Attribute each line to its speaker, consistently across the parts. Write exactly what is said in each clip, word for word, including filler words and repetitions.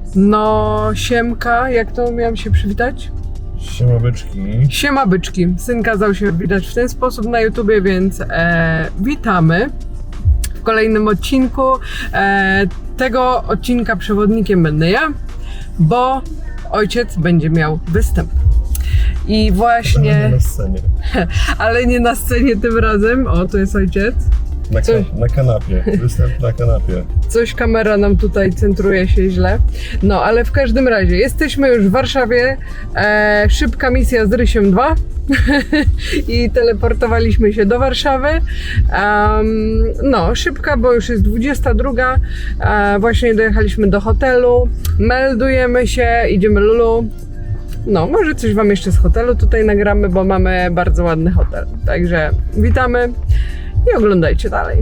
Speaker 1: No, siemka, jak to miałam się przywitać?
Speaker 2: Siema byczki.
Speaker 1: Siema byczki. Syn kazał się widać w ten sposób na YouTubie, więc e, witamy w kolejnym odcinku. E, tego odcinka przewodnikiem będę ja, bo ojciec będzie miał występ. I właśnie...
Speaker 2: Nie na scenie.
Speaker 1: Ale nie na scenie tym razem. O, to jest ojciec.
Speaker 2: Na,
Speaker 1: Coś-
Speaker 2: ka- na kanapie. Występ na kanapie.
Speaker 1: Coś kamera nam tutaj centruje się źle. No, ale w każdym razie jesteśmy już w Warszawie. E, szybka misja z Rysiem dwa. I teleportowaliśmy się do Warszawy. Um, no, szybka, bo już jest dwudziesta druga. E, właśnie dojechaliśmy do hotelu. Meldujemy się, idziemy Lulu. No, może coś wam jeszcze z hotelu tutaj nagramy, bo mamy bardzo ładny hotel. Także witamy i oglądajcie dalej.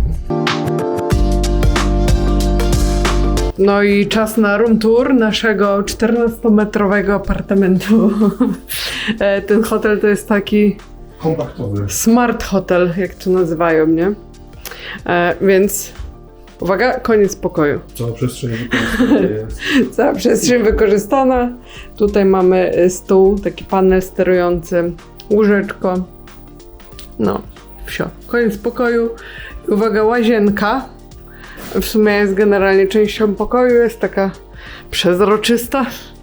Speaker 1: No i czas na room tour naszego czternastometrowego apartamentu. E, Ten hotel to jest taki
Speaker 2: Kompaktowy.
Speaker 1: smart hotel, jak to nazywają, nie? E, więc uwaga, koniec pokoju.
Speaker 2: Cała przestrzeń wykorzystana jest.
Speaker 1: Cała przestrzeń wykorzystana. Tutaj mamy y, stół, taki panel sterujący, łóżeczko. No, wsio. Koniec pokoju. I uwaga, łazienka. W sumie jest generalnie częścią pokoju, jest taka przezroczysta.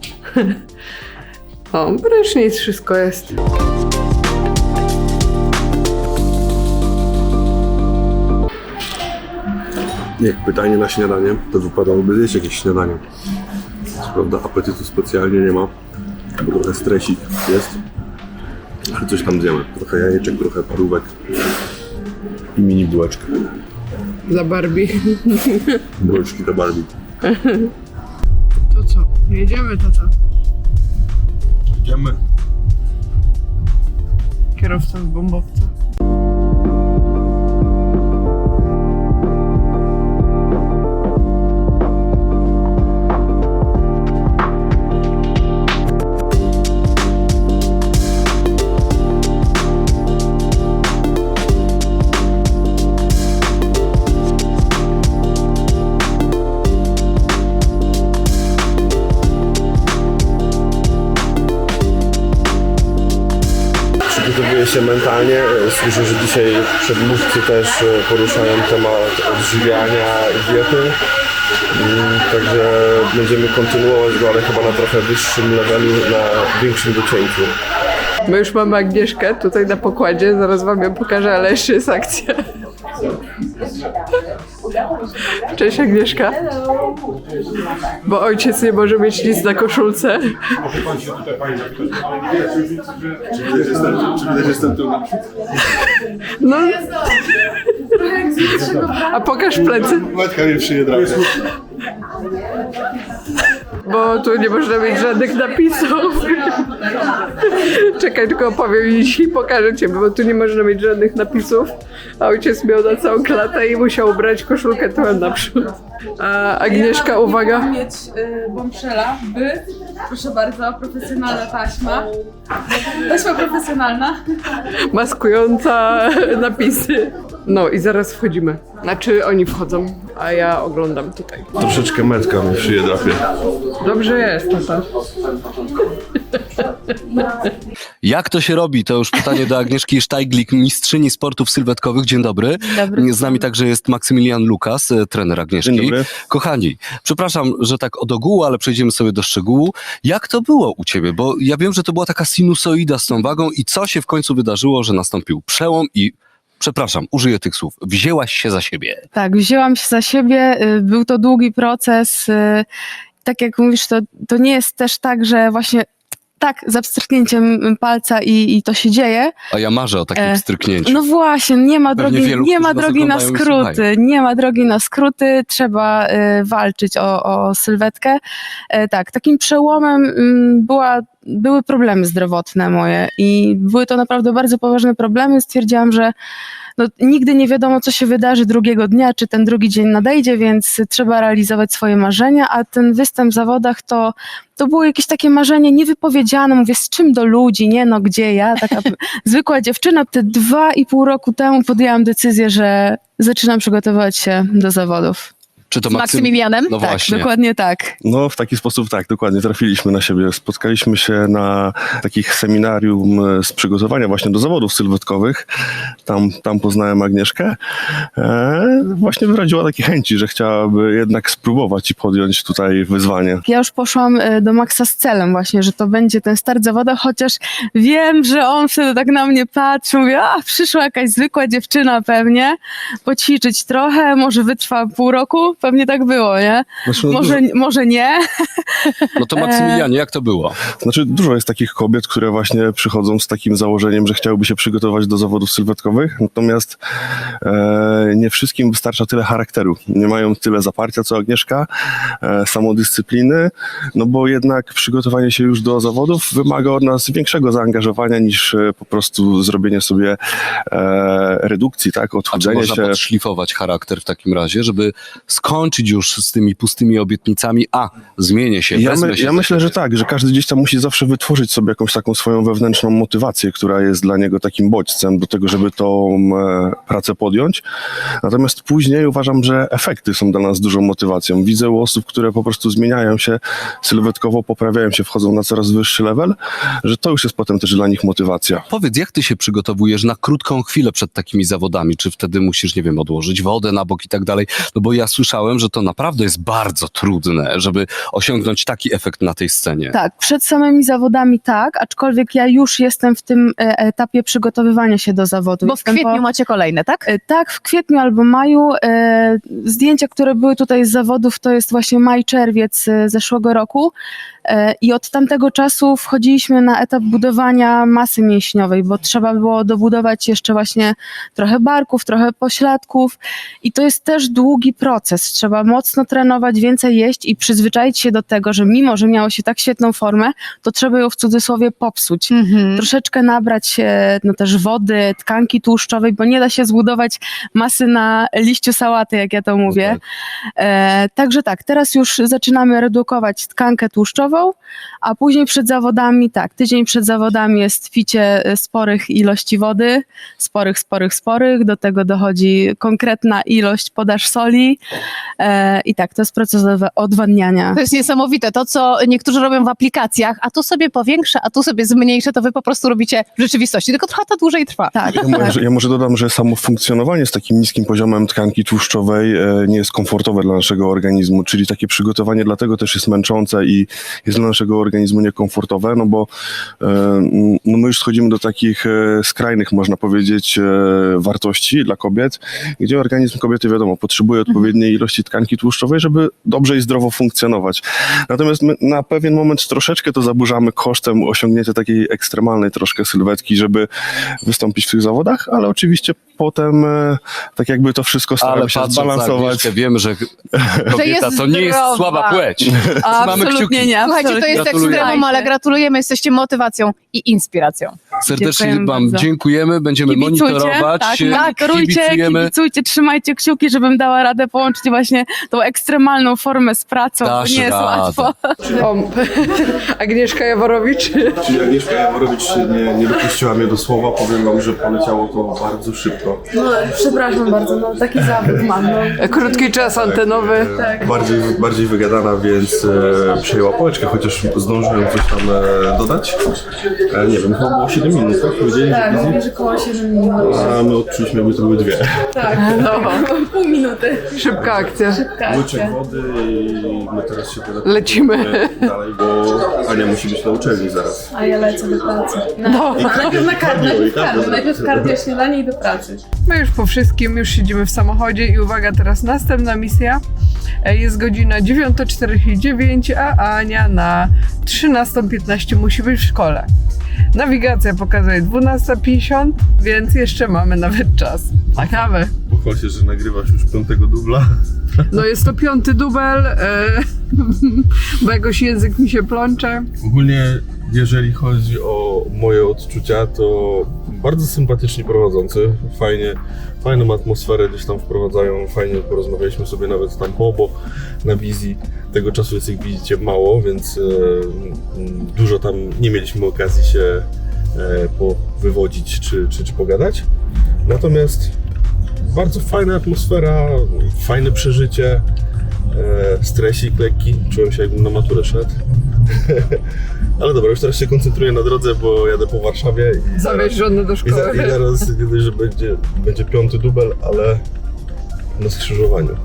Speaker 1: O, prysznic, wszystko jest.
Speaker 2: Jak pytanie na śniadanie, to wypadałoby zjeść jakieś śniadanie. Co prawda apetytu specjalnie nie ma, bo trochę stresik jest. Ale coś tam zjemy. Trochę jajeczek, trochę parówek i mini bułeczkę.
Speaker 1: Dla Barbie.
Speaker 2: Bułeczki do Barbie.
Speaker 1: To co? Jedziemy, tata.
Speaker 2: Idziemy.
Speaker 1: Kierowca z bombowca.
Speaker 2: Przygotowuję się mentalnie. Słyszę, że dzisiaj przedmówcy też poruszają temat odżywiania i diety. Mm, Także będziemy kontynuować go, ale chyba na trochę wyższym levelu, na większym docięciu.
Speaker 1: My już mamy Agnieszkę tutaj na pokładzie, zaraz wam ją pokażę, ale jeszcze jest akcja. Cześć Agnieszka. Bo ojciec nie może mieć nic na koszulce.
Speaker 2: Czy widać, że jestem tu?
Speaker 1: No. A pokaż plecy.
Speaker 2: Matka mnie przyje drapie.
Speaker 1: Bo tu nie można mieć żadnych napisów. Czekaj, tylko opowiem i pokażę cię, bo tu nie można mieć żadnych napisów. A ojciec miał na całą klatę i musiał ubrać koszulkę tyłem naprzód. A Agnieszka, uwaga.
Speaker 3: mieć y, bombszela, by, proszę bardzo, profesjonalna taśma. Taśma profesjonalna.
Speaker 1: Maskująca napisy. No i zaraz wchodzimy. Znaczy oni wchodzą, a ja oglądam tutaj.
Speaker 2: Troszeczkę metka mnie przyje drapie.
Speaker 1: Dobrze jest, tata.
Speaker 4: Jak to się robi? To już pytanie do Agnieszki Sztajglik, mistrzyni sportów sylwetkowych. Dzień dobry.
Speaker 3: Dobry.
Speaker 4: Z nami także jest Maksymilian Lukas, e, trener Agnieszki.
Speaker 2: Dzień dobry.
Speaker 4: Kochani, przepraszam, że tak od ogółu, ale przejdziemy sobie do szczegółu. Jak to było u ciebie? Bo ja wiem, że to była taka sinusoida z tą wagą i co się w końcu wydarzyło, że nastąpił przełom i przepraszam, użyję tych słów. Wzięłaś się za siebie.
Speaker 3: Tak, wzięłam się za siebie. y, Był to długi proces. y, Tak jak mówisz, to, to nie jest też tak, że właśnie tak, za pstryknięciem palca i, i to się dzieje.
Speaker 4: A ja marzę o takim
Speaker 3: E,
Speaker 4: stryknięciu.
Speaker 3: No właśnie, nie ma
Speaker 4: Pewnie
Speaker 3: drogi,
Speaker 4: wielu,
Speaker 3: nie ma
Speaker 4: którzy nas
Speaker 3: drogi na
Speaker 4: oglądają i
Speaker 3: skróty,
Speaker 4: słuchają.
Speaker 3: nie ma drogi na skróty, trzeba y, walczyć o, o sylwetkę. E, tak, takim przełomem mm, była, były problemy zdrowotne moje i były to naprawdę bardzo poważne problemy. Stwierdziłam, że no, nigdy nie wiadomo, co się wydarzy drugiego dnia, czy ten drugi dzień nadejdzie, więc trzeba realizować swoje marzenia, a ten występ w zawodach to, to było jakieś takie marzenie niewypowiedziane, mówię, z czym do ludzi, nie no, gdzie ja, taka zwykła dziewczyna. Te dwa i pół roku temu podjęłam decyzję, że zaczynam przygotowywać się do zawodów.
Speaker 4: Czy to
Speaker 5: Z
Speaker 4: Maksym-
Speaker 5: Maksymilianem?
Speaker 4: No
Speaker 3: Tak,
Speaker 4: właśnie.
Speaker 3: dokładnie tak.
Speaker 2: No w taki sposób tak, dokładnie, trafiliśmy na siebie. Spotkaliśmy się na takich seminarium z przygotowania właśnie do zawodów sylwetkowych. Tam, tam poznałem Agnieszkę. E, właśnie wyraziła takie chęci, że chciałaby jednak spróbować i podjąć tutaj wyzwanie.
Speaker 3: Ja już poszłam e, do Maxa z celem właśnie, że to będzie ten start zawodowy, chociaż wiem, że on wtedy tak na mnie patrzy, mówię, a przyszła jakaś zwykła dziewczyna pewnie, poćwiczyć trochę, może wytrwa pół roku, pewnie tak było, nie?
Speaker 2: Znaczy, no,
Speaker 3: Może, może nie.
Speaker 4: No to Maksymilianie, jak to było?
Speaker 2: Znaczy, dużo jest takich kobiet, które właśnie przychodzą z takim założeniem, że chciałyby się przygotować do zawodów sylwetkowych, natomiast e, nie wszystkim wystarcza tyle charakteru. Nie mają tyle zaparcia, co Agnieszka, e, samodyscypliny, no bo jednak przygotowanie się już do zawodów wymaga od nas większego zaangażowania niż e, po prostu zrobienie sobie e, redukcji, tak,
Speaker 4: A czy
Speaker 2: odchudzenie
Speaker 4: można
Speaker 2: się.
Speaker 4: podszlifować charakter w takim razie, żeby skończyć już z tymi pustymi obietnicami, a zmienię się,
Speaker 2: Ja,
Speaker 4: wezmę
Speaker 2: my,
Speaker 4: się
Speaker 2: ja
Speaker 4: za
Speaker 2: myślę,
Speaker 4: siebie.
Speaker 2: że tak, że każdy gdzieś tam musi zawsze wytworzyć sobie jakąś taką swoją wewnętrzną motywację, która jest dla niego takim bodźcem do tego, żeby tą e, pracę podjąć. Natomiast później uważam, że efekty są dla nas dużą motywacją. Widzę u osób, które po prostu zmieniają się sylwetkowo, poprawiają się, wchodzą na coraz wyższy level, że to już jest potem też dla nich motywacja.
Speaker 4: Powiedz, jak ty się przygotowujesz na krótką chwilę przed takimi zawodami? Czy wtedy musisz, nie wiem, odłożyć wodę na bok i tak dalej? No bo ja słyszałem, że to naprawdę jest bardzo trudne, żeby osiągnąć taki efekt na tej scenie.
Speaker 3: Tak, przed samymi zawodami tak, aczkolwiek ja już jestem w tym e, etapie przygotowywania się do zawodu.
Speaker 5: Bo w
Speaker 3: Jestem
Speaker 5: kwietniu
Speaker 3: po-
Speaker 5: macie kolejne, tak?
Speaker 3: E, Tak, w kwietniu albo maju. E, zdjęcia, które były tutaj z zawodów, to jest właśnie maj, czerwiec e, zeszłego roku. E, I od tamtego czasu wchodziliśmy na etap budowania masy mięśniowej, bo trzeba było dobudować jeszcze właśnie trochę barków, trochę pośladków. I to jest też długi proces. Trzeba mocno trenować, więcej jeść i przyzwyczaić się do tego, że mimo, że miało się tak świetną formę, to trzeba ją w cudzysłowie popsuć.
Speaker 5: Mhm.
Speaker 3: Troszeczkę nabrać e, no też wody, tkanki tłuszczowej, bo nie da się zbudować masy na liściu sałaty, jak ja to mówię. E, także tak, teraz już zaczynamy redukować tkankę tłuszczową, a później przed zawodami, tak, tydzień przed zawodami jest picie e, sporych ilości wody, sporych, sporych, sporych, do tego dochodzi konkretna ilość podaż soli e, i tak, to jest proces odwa- odwadniania.
Speaker 5: To jest niesamowite. To, co niektórzy robią w aplikacjach, a tu sobie powiększę, a tu sobie zmniejszę, to wy po prostu robicie w rzeczywistości. Tylko trochę to dłużej trwa.
Speaker 3: Tak,
Speaker 2: Ja może, ja może dodam, że samo funkcjonowanie z takim niskim poziomem tkanki tłuszczowej e, nie jest komfortowe dla naszego organizmu, czyli takie przygotowanie dlatego też jest męczące i jest dla naszego organizmu niekomfortowe, no bo e, no my już schodzimy do takich e, skrajnych, można powiedzieć, e, wartości dla kobiet, gdzie organizm kobiety, wiadomo, potrzebuje odpowiedniej ilości tkanki tłuszczowej, żeby dobrze i zdrowo funkcjonować. Natomiast my na pewien moment troszeczkę to zaburzamy kosztem osiągnięcia takiej ekstremalnej troszkę sylwetki, żeby wystąpić w tych zawodach, ale oczywiście potem e, tak jakby to wszystko staramy
Speaker 4: Ale
Speaker 2: się
Speaker 4: patrząc na
Speaker 2: zbalansować.
Speaker 4: Agnieszkę, wiemy, że kobieta
Speaker 5: jest
Speaker 4: to nie jest
Speaker 5: zdrowa.
Speaker 4: słaba płeć. Mamy
Speaker 3: absolutnie
Speaker 4: kciuki.
Speaker 3: nie.
Speaker 5: Słuchajcie, to jest
Speaker 4: Gratuluję.
Speaker 5: ekstremum, ale gratulujemy, jesteście motywacją i inspiracją.
Speaker 4: Serdecznie
Speaker 3: Dziękujemy
Speaker 4: wam
Speaker 3: bardzo.
Speaker 4: dziękujemy, będziemy
Speaker 3: Kibicujcie,
Speaker 4: monitorować,
Speaker 3: tak,
Speaker 4: e,
Speaker 3: monitorujcie,
Speaker 4: kibicujemy.
Speaker 3: kibicujcie, trzymajcie kciuki, żebym dała radę połączyć właśnie tą ekstremalną formę z pracą,
Speaker 4: Dasz
Speaker 3: bo nie jest
Speaker 4: radę.
Speaker 3: łatwo.
Speaker 1: O, Agnieszka Jaworowicz.
Speaker 2: Czyli Agnieszka Jaworowicz nie, nie dopuściła mnie do słowa, powiem wam, że poleciało to bardzo szybko.
Speaker 3: No, przepraszam bardzo, no taki zawód mam. No.
Speaker 1: Krótki czas antenowy.
Speaker 2: Bardziej, bardziej wygadana, więc e, przejęła pałeczkę, chociaż zdążyłem coś tam e, dodać. E, nie wiem, chyba było siedem minut, tak? Powiedzieli,
Speaker 3: Tak,
Speaker 2: że
Speaker 3: mówię, że koło siedem minut.
Speaker 2: a my odczuliśmy, jakby to były dwie.
Speaker 3: Tak,
Speaker 1: No,
Speaker 3: pół minuty.
Speaker 1: szybka akcja.
Speaker 2: Łyczek wody i my teraz się teraz
Speaker 1: Lecimy.
Speaker 2: dalej, bo Ania musi być na uczelni zaraz.
Speaker 3: A ja lecę do pracy. Na,
Speaker 1: No.
Speaker 3: najpierw na kardio,
Speaker 2: i
Speaker 3: najpierw
Speaker 2: kardio.
Speaker 3: kardio, najpierw kardio, śniadanie i do pracy.
Speaker 1: My już po wszystkim, już siedzimy w samochodzie i uwaga, teraz następna misja. E, Jest godzina dziewiąta czterdzieści dziewięć, a Ania na trzynasta piętnaście musi być w szkole. Nawigacja pokazuje dwunasta pięćdziesiąt, więc jeszcze mamy nawet czas na kawę.
Speaker 2: Pochwal się, że nagrywasz już piątego dubla.
Speaker 1: No jest to piąty dubel, e, bo jakoś język mi się plącze.
Speaker 6: Ogólnie, jeżeli chodzi o moje odczucia, to bardzo sympatycznie prowadzący, fajnie, fajną atmosferę gdzieś tam wprowadzają, fajnie porozmawialiśmy sobie nawet tam po, bo na wizji tego czasu jest, jak widzicie, mało, więc e, m, dużo tam nie mieliśmy okazji się e, powywodzić czy, czy, czy pogadać. Natomiast bardzo fajna atmosfera, fajne przeżycie. e, stresik lekki, czułem się jakbym na maturę szedł. Ale dobra, już teraz się koncentruję na drodze, bo jadę po Warszawie i
Speaker 1: Zawieź żonę do
Speaker 6: I, za,
Speaker 1: szkoły.
Speaker 6: I zaraz nie dość, że będzie, będzie piąty dubel, ale na skrzyżowaniu.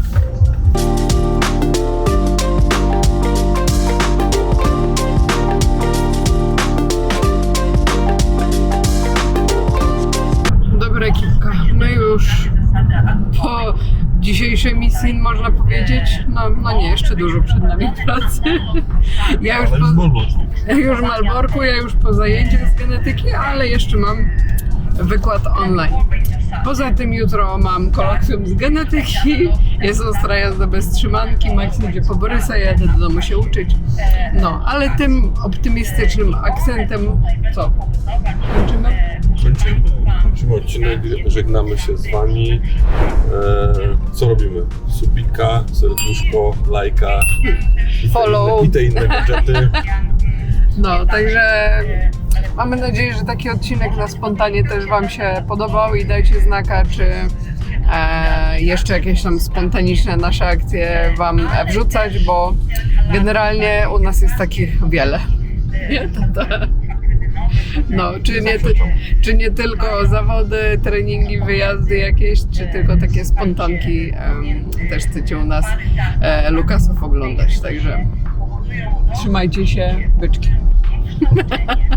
Speaker 1: Dobra ekipka, my już po dzisiejszej misji można powiedzieć, no, no nie, jeszcze dużo przed nami pracy. Ja już po, już w Malborku, ja już po zajęciach z genetyki, ale jeszcze mam wykład online. Poza tym jutro mam kolokwium z genetyki, jest ostra jazda bez trzymanki, Max idzie po Borysa, ja jadę do domu się uczyć. No, ale tym optymistycznym akcentem, co? Kończymy?
Speaker 6: Kończymy, kończymy odcinek, żegnamy się z wami. E, co robimy? Subika, serduszko, lajka i te
Speaker 1: Follow.
Speaker 6: inne, i te inne gadżety.
Speaker 1: No, także mamy nadzieję, że taki odcinek na spontanie też wam się podobał i dajcie znaka, czy e, jeszcze jakieś tam spontaniczne nasze akcje wam wrzucać, bo generalnie u nas jest takich wiele. Nie, tata. No, czy nie, ty, czy nie tylko zawody, treningi, wyjazdy jakieś, czy tylko takie spontanki em, też chcecie u nas e, Lukasów oglądać, także trzymajcie się, byczki.